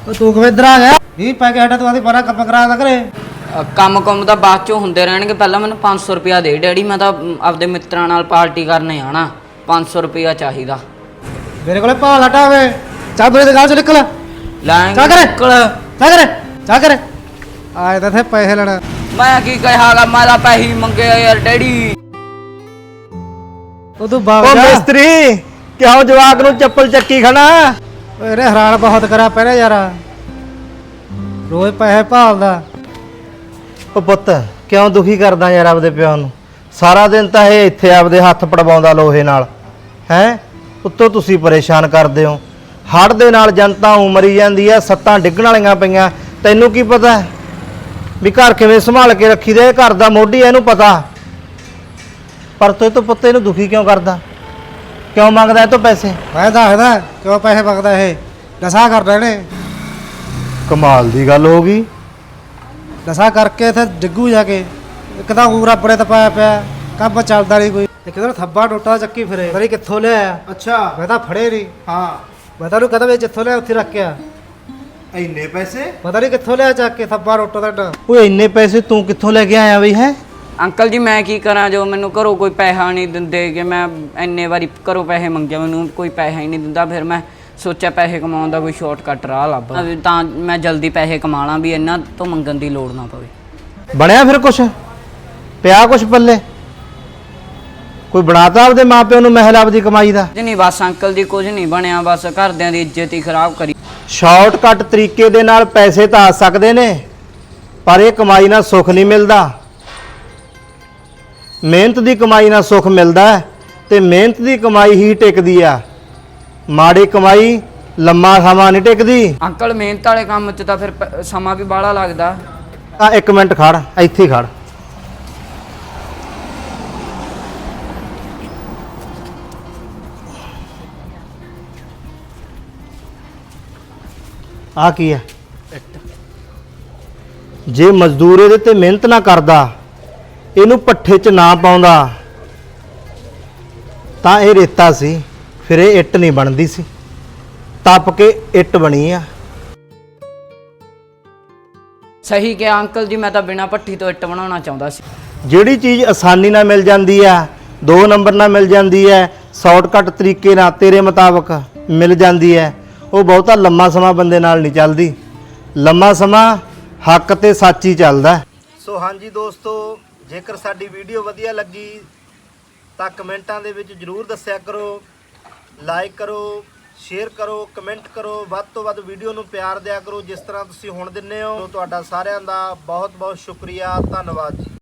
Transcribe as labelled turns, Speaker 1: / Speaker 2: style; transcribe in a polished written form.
Speaker 1: ਤੂੰ ਕਿਵੇਂ ਇੱਧਰ ਆ ਗਿਆ? 20 ਪੈ ਕੇ ਹਟਾ ਤੂੰ ਆਦੀ ਬਾਰਾ ਕੰਮ ਕਰਾ ਦਾ ਕਰੇ।
Speaker 2: ਕੰਮ ਤਾਂ ਬਾਅਦ ਚੋਂ ਹੁੰਦੇ ਰਹਿਣਗੇ। ਪਹਿਲਾਂ ਮੈਨੂੰ 500 ਰੁਪਇਆ ਦੇ ਡੈਡੀ, ਮੈਂ ਤਾਂ ਆਪਦੇ ਮਿੱਤਰਾਂ ਨਾਲ ਪਾਰਟੀ ਕਰਨੇ ਆਣਾ। 500 ਰੁਪਇਆ ਚਾਹੀਦਾ
Speaker 1: ਮੇਰੇ ਕੋਲੇ ਭਾਲ ਹਟਾ ਵੇ। ਚੱਲ ਮੇਰੀ ਦੁਕਾਨ ਚੋਂ ਨਿਕਲ।
Speaker 2: ਲੈਂਗੇ ਨਿਕਲ।
Speaker 1: ਚਾ ਕਰ ਆਏ ਤਾਂ ਥੇ ਪੈਸੇ ਲੈਣਾ।
Speaker 2: ਮੈਂ ਕੀ ਕਹਾਂਗਾ, ਮੈਂ ਤਾਂ ਪੈਸੇ ਮੰਗੇ ਯਾਰ ਡੈਡੀ।
Speaker 1: ਤੂੰ ਬਾਗ
Speaker 3: ਓ
Speaker 1: ਜਾ
Speaker 3: ਮਿਸਤਰੀ, ਕਿਉਂ ਜਵਾਕ ਨੂੰ ਚੱਪਲ ਚੱਕੀ ਖੜਾ?
Speaker 1: ਓਏ ਇਹਨੇ ਹੈਰਾਨ ਬਹੁਤ ਕਰਾ ਪਹਿਲੇ ਯਾਰ, ਰੋਜ਼ ਪੈਸੇ ਭਾਲਦਾ।
Speaker 3: ਓ ਪੁੱਤ, ਕਿਉਂ ਦੁਖੀ ਕਰਦਾ ਯਾਰ ਆਪਦੇ ਪਿਓ ਨੂੰ? ਸਾਰਾ ਦਿਨ ਤਾਂ ਇਹ ਇੱਥੇ ਆਪਦੇ ਹੱਥ ਪੜਵਾਉਂਦਾ ਲੋਹੇ ਨਾਲ ਹੈ। ਉੱਤੋਂ ਤੁਸੀਂ ਪਰੇਸ਼ਾਨ ਕਰਦੇ ਹੋ। ਹੜ੍ਹ ਦੇ ਨਾਲ ਜਨਤਾ ਉਮਰੀ ਜਾਂਦੀ ਆ, ਸੱਤਾਂ ਡਿੱਗਣ ਵਾਲੀਆਂ ਪਈਆਂ। ਤੈਨੂੰ ਕੀ ਪਤਾ ਵੀ ਘਰ ਕਿਵੇਂ ਸੰਭਾਲ ਕੇ ਰੱਖੀਦਾ? ਇਹ ਘਰ ਦਾ ਮੋਢੀ, ਇਹਨੂੰ ਪਤਾ। ਪਰ ਤੂੰ ਪੁੱਤ ਇਹਨੂੰ ਦੁਖੀ ਕਿਉਂ ਕਰਦਾ? ਕਿਉਂ ਮੰਗਦਾ ਇਹ ਤੋਂ ਪੈਸੇ?
Speaker 1: ਮੈਂ ਦੱਸਦਾ ਕਿਉਂ ਪੈਸੇ ਮੰਗਦਾ। ਇਹ ਨਸ਼ਾ ਕਰਦਾ ਇਹਨੇ।
Speaker 3: ਕਮਾਲ ਦੀ ਗੱਲ ਹੋ ਗਈ।
Speaker 1: ਨਸ਼ਾ ਕਰਕੇ ਇੱਥੇ ਡਿੱਗੂ ਜਾ ਕੇ। ਇੱਕ ਤਾਂ ਊਰ ਆਪਣੇ ਤਾਂ ਪਾਇਆ ਪਿਆ, ਕੰਮ ਚੱਲਦਾ ਨਹੀਂ ਕੋਈ। ਇੱਕ ਤਾਂ ਥੱਬਾ ਟੋਟਾ ਚੱਕੀ ਫਿਰੇ, ਪਤਾ ਨੀ ਕਿੱਥੋਂ ਲਿਆ।
Speaker 3: ਅੱਛਾ,
Speaker 1: ਮੈਂ ਤਾਂ ਫੜੇ ਨਹੀਂ।
Speaker 3: ਹਾਂ।
Speaker 1: ਮੈਂ ਤਾਂ ਉਹਨੂੰ ਕਹਦਾ ਵੀ ਜਿੱਥੋਂ ਲਿਆ ਉੱਥੇ ਰੱਖਿਆ।
Speaker 3: ਇੰਨੇ ਪੈਸੇ?
Speaker 1: ਪਤਾ ਨਹੀਂ ਕਿੱਥੋਂ ਲਿਆ ਚੱਕ ਕੇ ਥੱਬਾ ਟੋਟਾ ਤੁਹਾਡਾ।
Speaker 3: ਓਏ ਇੰਨੇ ਪੈਸੇ ਤੂੰ ਕਿੱਥੋਂ ਲੈ ਕੇ ਆਇਆ ਬਈ? ਹੈ
Speaker 2: ਅੰਕਲ ਜੀ ਮੈਂ ਕੀ ਕਰਾਂ, ਜੋ ਮੈਨੂੰ ਘਰੋਂ ਕੋਈ ਪੈਸਾ ਨਹੀਂ ਦਿੰਦੇ। ਕਿ ਮੈਂ ਇੰਨੇ ਵਾਰੀ ਘਰੋਂ ਪੈਸੇ ਮੰਗਿਆ, ਮੈਨੂੰ ਕੋਈ ਪੈਸਾ ਹੀ ਨਹੀਂ ਦਿੰਦਾ। ਫਿਰ ਮੈਂ ਸੋਚਿਆ ਪੈਸੇ ਕਮਾਉਣ ਦਾ ਕੋਈ ਸ਼ਾਰਟਕਟ ਰਾਹ ਲੱਭਾਂ, ਤਾਂ ਮੈਂ ਜਲਦੀ ਪੈਸੇ ਕਮਾ ਲਾਂ, ਵੀ ਇਹਨਾਂ ਤੋਂ ਮੰਗਣ ਦੀ ਲੋੜ ਨਾ ਪਵੇ।
Speaker 3: ਬਣਿਆ ਫਿਰ ਕੁਛ? ਪਿਆ ਕੁਛ ਪੱਲੇ? ਕੋਈ ਬਣਾਤਾ ਆਪਦੇ ਮਾਪਿਆਂ ਨੂੰ ਮਹਿਲ ਆਪਦੀ ਕਮਾਈ ਦਾ?
Speaker 2: ਕੁਝ ਨਹੀਂ ਬਸ ਅੰਕਲ ਜੀ, ਕੁਝ ਨਹੀਂ ਬਣਿਆ। ਬਸ ਘਰਦਿਆਂ ਦੀ ਇੱਜ਼ਤ ਹੀ ਖਰਾਬ ਕਰੀ।
Speaker 3: ਸ਼ਾਰਟਕਟ ਤਰੀਕੇ ਦੇ ਨਾਲ ਪੈਸੇ ਤਾਂ ਆ ਸਕਦੇ ਨੇ, ਪਰ ਇਹ ਕਮਾਈ ਨਾਲ ਸੁੱਖ ਨਹੀਂ ਮਿਲਦਾ। ਮਿਹਨਤ ਦੀ ਕਮਾਈ ਨਾਲ ਸੁੱਖ ਮਿਲਦਾ ਹੈ, ਤੇ ਮਿਹਨਤ ਦੀ ਕਮਾਈ ਹੀ ਟਿਕਦੀ ਆ। ਮਾੜੀ ਕਮਾਈ ਲੰਮਾ ਸਮਾਂ ਨਹੀਂ ਟਿਕਦੀ।
Speaker 2: ਅੰਕਲ ਮਿਹਨਤ ਵਾਲੇ ਕੰਮ 'ਚ ਤਾਂ ਫਿਰ ਸਮਾਂ ਵੀ ਬਾਹਲਾ ਲੱਗਦਾ।
Speaker 3: ਆ ਇੱਕ ਮਿੰਟ ਖੜ, ਇੱਥੇ ਹੀ ਖੜ। ਆ ਕੀ ਹੈ? ਜੇ ਮਜ਼ਦੂਰ ਇਹਦੇ ਤੇ ਮਿਹਨਤ ਨਾ ਕਰਦਾ, ਇਹਨੂੰ ਪੱਠੇ 'ਚ ਨਾ ਪਾਉਂਦਾ, ਤਾਂ ਇਹ ਰੇਤਾ ਸੀ, ਫਿਰ ਇਹ ਇੱਟ ਨਹੀਂ ਬਣਦੀ ਸੀ। ਤਪ ਕੇ ਇੱਟ ਬਣੀ ਆ।
Speaker 2: ਸਹੀ ਕਿਹਾ ਅੰਕਲ ਜੀ, ਮੈਂ ਤਾਂ ਬਿਨਾਂ ਭੱਠੀ ਤੋਂ ਇੱਟ ਬਣਾਉਣਾ ਚਾਹੁੰਦਾ ਸੀ।
Speaker 3: ਜਿਹੜੀ ਚੀਜ਼ ਆਸਾਨੀ ਨਾਲ ਮਿਲ ਜਾਂਦੀ ਆ, 2 ਨੰਬਰ ਨਾਲ ਮਿਲ ਜਾਂਦੀ ਹੈ, ਸ਼ਾਰਟਕਟ ਤਰੀਕੇ ਨਾਲ ਤੇਰੇ ਮੁਤਾਬਕ ਮਿਲ ਜਾਂਦੀ ਹੈ, ਉਹ ਬਹੁਤਾ ਲੰਮਾ ਸਮਾਂ ਬੰਦੇ ਨਾਲ ਨਹੀਂ ਚੱਲਦੀ। ਲੰਮਾ ਸਮਾਂ ਹੱਕ ਤੇ ਸੱਚ ਹੀ ਚੱਲਦਾ। ਸੋ ਹਾਂਜੀ ਦੋਸਤੋ, ਜੇਕਰ ਸਾਡੀ ਵੀਡੀਓ ਵਧੀਆ ਲੱਗੀ ਤਾਂ ਕਮੈਂਟਾਂ ਦੇ ਵਿੱਚ ਜ਼ਰੂਰ ਦੱਸਿਆ ਕਰੋ। ਲਾਈਕ ਕਰੋ, ਸ਼ੇਅਰ ਕਰੋ, ਕਮੈਂਟ ਕਰੋ। ਵੱਧ ਤੋਂ ਵੱਧ ਵੀਡੀਓ ਨੂੰ ਪਿਆਰ ਦਿਆ ਕਰੋ, ਜਿਸ ਤਰ੍ਹਾਂ ਤੁਸੀਂ ਹੁਣ ਦਿੰਦੇ ਹੋ। ਤੁਹਾਡਾ ਸਾਰਿਆਂ ਦਾ ਬਹੁਤ ਬਹੁਤ ਸ਼ੁਕਰੀਆ, ਧੰਨਵਾਦ ਜੀ।